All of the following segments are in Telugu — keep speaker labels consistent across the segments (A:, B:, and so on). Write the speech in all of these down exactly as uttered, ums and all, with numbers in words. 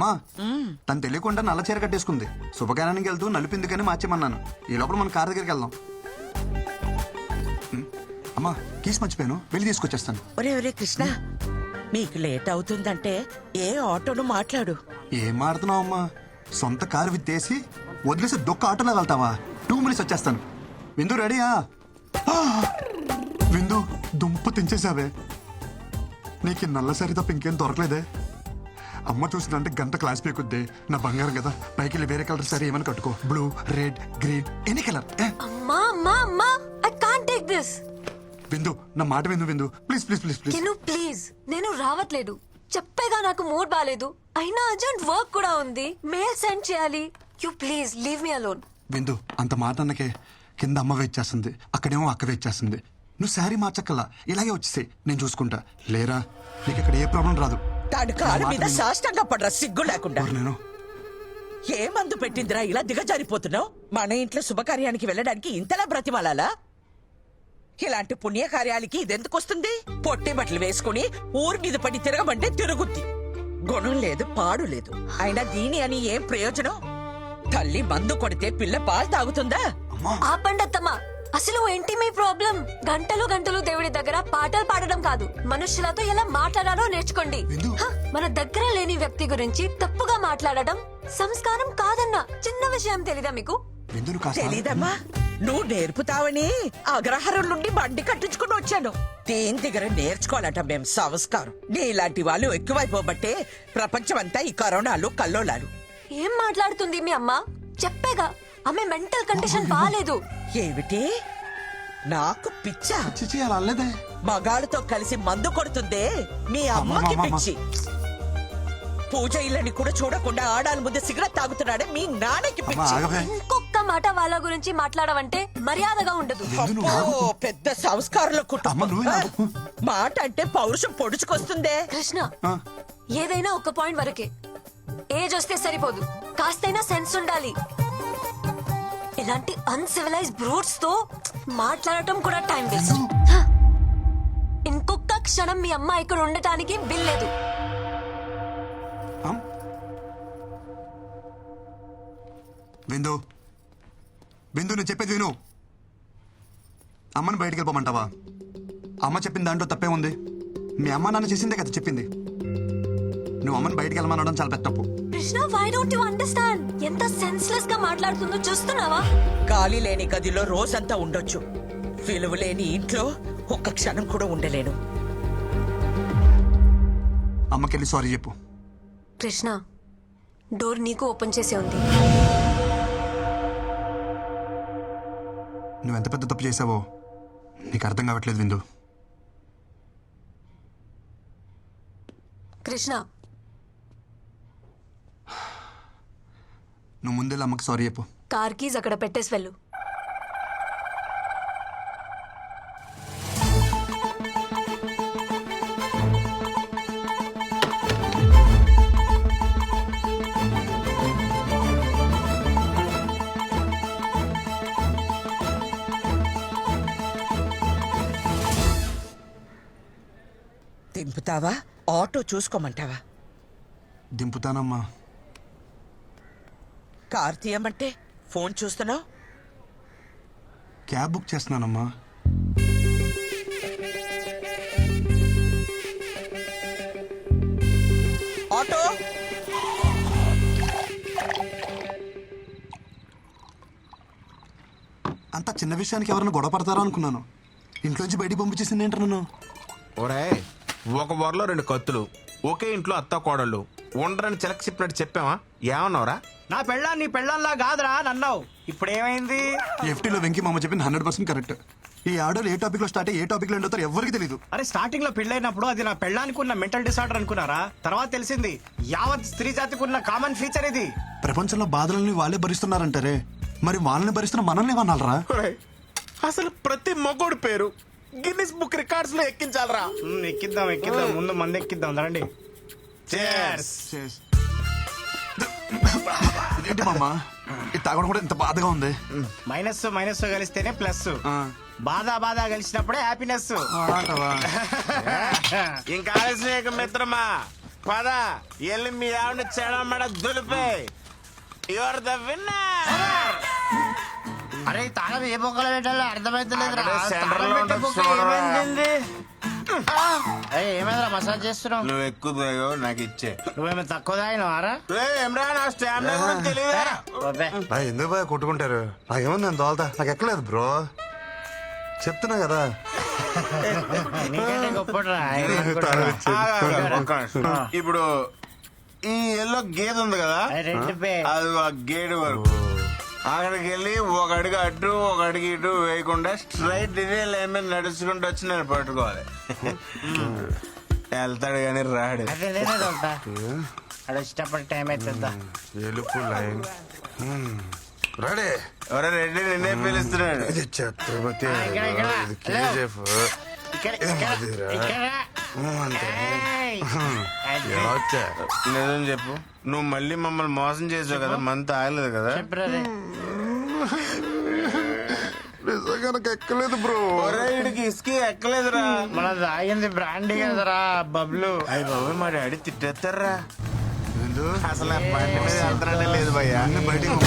A: అమ్మా తను తెలియకుండా నల్ల చీర కట్టేసుకుంది. శుభకార్యానికి వెళ్తూ నలుపిందుకని మార్చేమన్నాను. ఈ లోపల మన కార్ దగ్గరికి వెళ్దాం. ఉమ్, అమ్మా కీస్ మర్చిపోయాను, వెళ్ళి తీసుకొచ్చేస్తాను.
B: ఒరే ఒరే కృష్ణ, మీకు లేట్ అవుతుందంటే ఏ ఆటోను మాట్లాడు.
A: ఏం మాడుతున్నావు అమ్మా? సొంత కారు విత్తేసి వదిలేసి దొక్క ఆటోలో వెళ్తావా? టూ మినిట్స్ వచ్చేస్తాను. విందు రెడీయా? ఆ! విందు దుంప తెంచేసావే. నీకు నల్ల సరి తప్ప ఇంకేం దొరకలేదే. అమ్మ చూసిందంటే గంట క్లాస్ పీకుద్ది. నా బంగారం కదా, పైకి వెళ్ళి వేరే కలర్ సరే ఏమైనా కట్టుకో. Blue, red, green, any colour.
C: అమ్మా అమ్మా అమ్మా, ఐ కాంట్ టేక్ దిస్.
A: విందు నా మాట విందు విందు please please please please.
C: Can you please? నేను రావట్లేదు, చెప్పేగా నాకు మూడ్ బాలేదు. అయినా అర్జెంట్ వర్క్ కూడా ఉంది, మెయిల్ సెండ్ చేయాలి. You please leave me alone.
A: విందు అంత మాట అన్నకే కింద అమ్మ వెయిట్ చేస్తుంది, అక్కడేమో అక్క వెయిట్ చేస్తుంది. నువ్వు శారీ మార్చక్కల్లా, ఇలాగే వచ్చేసాయి, నేను చూసుకుంటా. లేరా నీకు ఇక్కడ ఏ ప్రాబ్లం రాదు.
B: తాడు కారు మీద సాష్టంగా పడరా సిగ్గు లేకుండా.
A: నేను
B: ఏ మందు పెట్టిందిరా ఇలా దిగజారిపోతున్నావు? మన ఇంట్లో శుభకార్యానికి వెళ్ళడానికి ఇంతలా బ్రతిమాలాలా? ఇలాంటి పుణ్యకార్యాలకి ఇదెందుకు వస్తుంది? పొట్టి బట్టలు వేసుకుని ఊరి మీద పడి తిరగమంటే తిరుగుద్ది. గుణం లేదు, పాడు లేదు. అయినా దీని అని ఏం ప్రయోజనం? తల్లి మందు కొడితే పిల్ల పాలు తాగుతుందా?
C: ఆపండి అత్తమ్మా, అసలు ఏంటి మీ ప్రాబ్లం? గంటలు గంటలు దేవుడి దగ్గర పాటలు పాడడం కాదు, మనుషులతో ఎలా మాట్లాడాలో నేర్చుకోండి. హ, మన దగ్గర లేని వ్యక్తి గురించి తప్పుగా మాట్లాడడం సంస్కారం కాదన్న చిన్న విషయం తెలీదా మీకు?
B: తెలీదమ్మా, నువ్వు నేర్పుతావని అగ్రహారం నుండి బండి కట్టించుకుని వచ్చాను. దేని దగ్గర నేర్చుకోవాలట మేం సంస్కారం. నీలాంటి వాళ్ళు ఎక్కువైపోబట్టే ప్రపంచమంతా ఈ కరోనాలు కల్లోలాలు.
C: ఏం మాట్లాడుతుంది మీ అమ్మ? చెప్పేగా ఆమె మెంటల్ కండిషన్ బాలేదు.
B: ఏమిటి నాకు పిచ్చా?
A: చిచి అలా అల్లేదే.
B: మగాళ్ళతో కలిసి మందు కొడుతుందే మీ అమ్మకి పిచ్చి. పూజ ఇళ్ళని కూడా చూడకుండా ఆడాల ముందు సిగరెట్ తాగుతున్నాడే మీ నాన్నకి పిచ్చి.
C: ఇంకొక మాట వాళ్ళ గురించి మాట్లాడవంటే మర్యాదగా ఉండదు.
B: అబ్బో, పెద్ద సంస్కారంలో కుటుంబం. మాట అంటే పౌరుషం పొడుచుకొస్తుందే.
C: కృష్ణ, ఏదైనా ఒక పాయింట్ వరకే. ఏజ్ వస్తే సరిపోదు, కాస్తైనా సెన్స్ ఉండాలి. ఇలాంటి అన్సివిలైజ్ బ్రూట్స్ తో మాట్లాడటం కూడా టైం వేస్ట్. ఇంకొక క్షణం మీ అమ్మ ఇక్కడ ఉండటానికి వీల్లేదు.
A: విందు విందు నేను చెప్పేది విను. అమ్మని బయటికి వెళ్ళిపోమంటావా? అమ్మ చెప్పిన దాంట్లో తప్పే ఉంది. మీ అమ్మ నాన్న చేసిందే కదా చెప్పింది. నువ్వు అమ్మని బయటికి వెళ్ళమనడం చాలా పెద్ద తప్పు.
C: Krishna, why don't you understand? ఎంత సెన్స్లెస్ గా మాట్లాడుతుందో చూస్తున్నావా?
B: గాలి లేని గదిలో రోజంతా ఉండొచ్చు, విలువ లేని ఇంట్లో ఒక్క క్షణం కూడా ఉండలేను.
A: అమ్మకెళ్ళి సారీ చెప్పు.
C: కృష్ణ, డోర్ నీకు ఓపెన్ చేసే ఉంది.
A: నువ్వెంత పెద్ద తప్పు చేసావో నీకు అర్థం కావట్లేదు విందు.
C: కృష్ణ,
A: నువ్వు ముందే అమ్మకి సారీ చెప్పు.
C: కార్ కీజ్ అక్కడ పెట్టేసి వెళ్ళు.
B: దింపుతావా? ఆటో చూసుకోమంటావా?
A: దింపుతానమ్మా.
B: కార్ తీయమంటే ఫోన్ చూస్తున్నావు.
A: క్యాబ్ బుక్ చేస్తున్నానమ్మా.
B: ఆటో
A: అంత చిన్న విషయానికి ఎవరైనా గొడవ పడతారా అనుకున్నాను. ఇంట్లోంచి బయటికి పంపించేసింది ఏంటి నన్ను?
D: ఒరే, ఒక వరలో రెండు కత్తులు, ఒకే ఇంట్లో అత్త కోడళ్ళు ఉండరని చిలక చెప్పినట్టు చెప్పావా? ఏమన్నావురా?
E: నా పెళ్ళాం నీ పెళ్ళంలా కాదురా నన్నావు. ఇప్పుడు ఏమైంది?
A: ఎఫ్టీలో వెంకీ మామ చెప్పింది హండ్రెడ్ పర్సెంట్ కరెక్ట్. ఈ ఆర్డర్ ఏ టాపిక్ లో స్టార్ట్ అయ్యి ఏ టాపిక్ లో ఎండ్ అవుతారో ఎవరికి తెలియదు.
E: అరే, స్టార్టింగ్ లో పెళ్ళైనప్పుడు అది నా పెళ్ళానికి ఉన్న మెంటల్ డిసార్డర్ అనుకున్నారా? తర్వాత తెలిసింది యావత్ స్త్రీ జాతికి ఉన్న కామన్ ఫీచర్ ఇది.
A: ప్రపంచంలో బాధలని వాళ్ళే భరిస్తున్నారంటారే, మరి వాళ్ళని భరిస్తున్న మనల్ని ఏమన్నారా?
D: అసలు ప్రతి మగోడు పేరు గిన్నిస్ బుక్ రికార్డ్స్ లో ఎక్కించాలరా.
E: ఉమ్, ఎక్కిద్దాం ఎక్కిద్దాం ముందు మంది ఎక్కిద్దాం రండి.
D: Cheers.
A: ఏంటి మామ ఇది తాగడం కూడా ఇంత బాధగా ఉంది?
E: మైనస్ మైనస్ కలిస్తేనే ప్లస్. బాధ బాధ కలిసినప్పుడే హ్యాపీనెస్.
D: ఇంకా ఆలస్యం మిత్రమా, పద ఎల్లి మీ ఆవిడ చెడమడ దులిపే యువర్ ద విన్నర్.
E: అరే తాళం ఏ బొక్కలు పెట్టాలో అర్థమైతలేదు ఏమైందిరా మసాజ్ చేస్తున్నావు?
D: నువ్వు ఎక్కువ తాగావు, నాకు ఇచ్చే.
E: నువ్వేమో తక్కువ తాగినవారా?
D: ఏమ్రా నా స్టామినా గురించి తెలియదా?
A: నా ఎందుకు బాగా కొట్టుకుంటారు? నాకేముంది నేను తోలుతా, నాకు ఎక్కలేదు బ్రో, చెప్తున్నా కదా.
E: నీకంటే గొప్పరా
D: ఇప్పుడు ఈ ఎల్లో గేదె ఉంది కదా,
E: రెండు పే
D: అది ఆ గేడు వరకు అక్కడికి వెళ్ళి ఒక అడుగు అటు ఒక అడుగు ఇటు వేయకుండా స్ట్రైట్ ఇదే లైన్ మీద నడుచుకుంటూ వచ్చి నేను పట్టుకోవాలి. వెళ్తాడు కానీ రాడు.
E: అదే నేనే తోలుతా. అది వచ్చేటప్పుడు టైం అవుతుందా?
A: ఎలుపు లైన్ రెడీ.
D: ఎవరో రెడ్డి నిన్నే పిలుస్తున్నాడు.
A: ఇది ఛత్రపతి,
E: ఇక్కడ, ఇక్కడ.
A: ఇది కేజీఎఫ్.
E: ఇక్కడ, ఇక్కడ,
A: అదిరా.
E: ఇక్కడ.
A: అంతే.
E: ఏయ్. అది.
A: ఎలా వచ్చా?
D: నిజం చెప్పు, నువ్వు మళ్ళీ మమ్మల్ని మోసం చేసావు కదా, మంత్ ఆగలేదు కదా?
E: చెప్పురా రే.
A: నిజంగా నాకు ఎక్కలేదు బ్రో.
D: ఒరే వీడికి ఇసుక ఎక్కలేదురా.
E: మన తాగింది బ్రాండీ కదరా బబ్లు.
D: అయ్యి బాబు మా డాడీ తిట్టేస్తారా.
A: విందు,
D: అసలు ఆ బండి మీద వెళ్తానే లేదు భయ్యా.
A: అన్ని బయటికి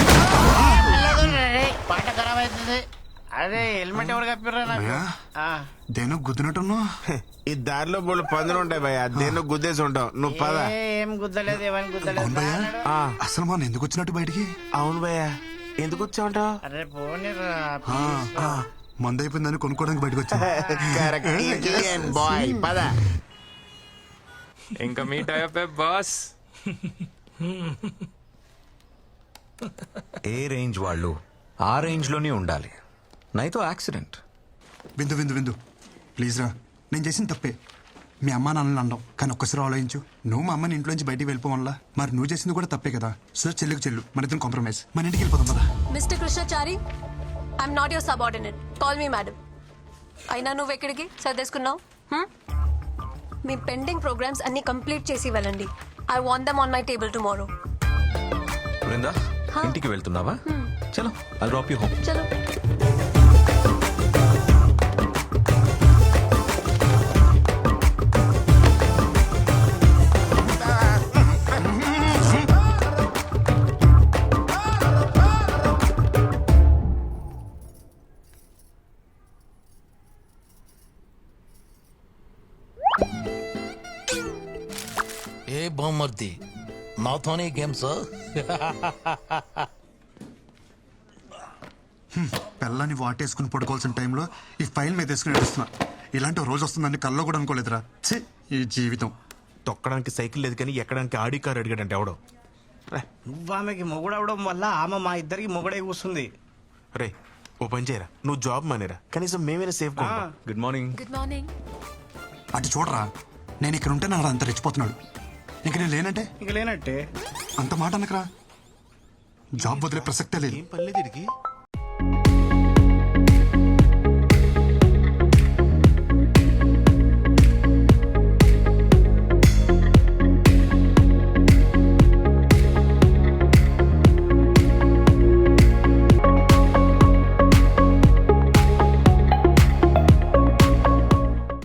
E: పాట ఖరాబ్ అవుతుంది. అదే హెల్మెట్ ఎవరు కప్పిర్రా నాకు?
A: భయ్యా,
E: ఆ.
A: దేనో గుద్దినట్టున్నావు.
D: ఈ దారిలో బోళ్ళు పందులు ఉంటాయి భయ్యా, దేన్ని గుద్దేసి ఉంటావు. నువ్వు పద.
E: ఏ, ఏం గుద్దలేదు ఏమని గుద్దలేదు.
A: అవును భయ్యా,
D: ఆ,
A: అసలు మనం ఎందుకు వచ్చినట్టు బయటికి?
D: అవును భయ్యా, ఎందుకు వచ్చావుంటావు?
E: అరే పోనీరా
A: ఆ, మందు అయిపోయిందని కొనుక్కోవడానికి బయటకు వచ్చా.
D: బాయ్ పద.
F: ఇంకా మీట్ అయ్యే బాస్.
G: ఏ రేంజ్ వాళ్ళు ఆ రేంజ్ లోనే ఉండాలి, నైతో యాక్సిడెంట్.
A: విందు విందు విందు ప్లీజ్ రా, నేను చేసిన తప్పే. మీ అమ్మ నాన్నని అన్నావు, కానీ ఒక్కసారి ఆలోచించు. నువ్వు మా అమ్మని ఇంట్లో నుంచి బయటికి వెళ్ళిపోవాలా, మరి నువ్వు చేసింది కూడా తప్పే కదా. సో చెల్లికి చెల్లు, మన ఇద్దరం కాంప్రమైజ్, మన ఇంటికి వెళ్ళిపోదాం కదా.
C: Mister Krishnachari, I'm not your subordinate, call me madam. అయినా నువ్వు ఎక్కడికి సర్దేసుకున్నావు? హ్మ్? మీ పెండింగ్ ప్రోగ్రామ్స్ అన్ని కంప్లీట్ చేసి వెళ్ళండి. I want them on my table tomorrow.
G: Brinda, ఇంటికి వెళ్తున్నావా? చలో, ఐ డ్రాప్ యూ హోమ్.
C: చలో.
H: ఏ బామ్మర్ది, నాతోనే గేమ్స్?
A: పిల్లని వాటేసుకుని పడుకోవాల్సిన టైంలో ఈ ఫైల్ మీద వేసుకుని నడుస్తున్నా. ఇలాంటి రోజు వస్తుందని కల్లో కూడా అనుకోలేదురా. ఛీ, ఈ జీవితం.
D: తొక్కడానికి సైకిల్ లేదు కానీ ఎక్కడానికి ఆడి కారు అడిగాడంటే ఎవడో.
E: నువ్వు ఆమెకి మొగుడవడం వల్ల ఆమె మా ఇద్దరికి మొగుడే కూస్తుంది.
D: రే ఓ పని చేయరా, నువ్వు జాబ్ మానేరా, కనీసం మేమైనా సేఫ్ గా ఉంటాం.
G: Good morning.
C: Good morning.
A: అటు చూడరా, నేను ఇక్కడ ఉంటే నాకు అంత రెచ్చిపోతున్నాడు. ఇంక నేను లేనంటే
E: ఇక లేనట్టే.
A: అంత మాట అనకరా. జాబ్ వదిలే ప్రసక్తే లేదు.
D: ఏం పర్లేదు వీడికి.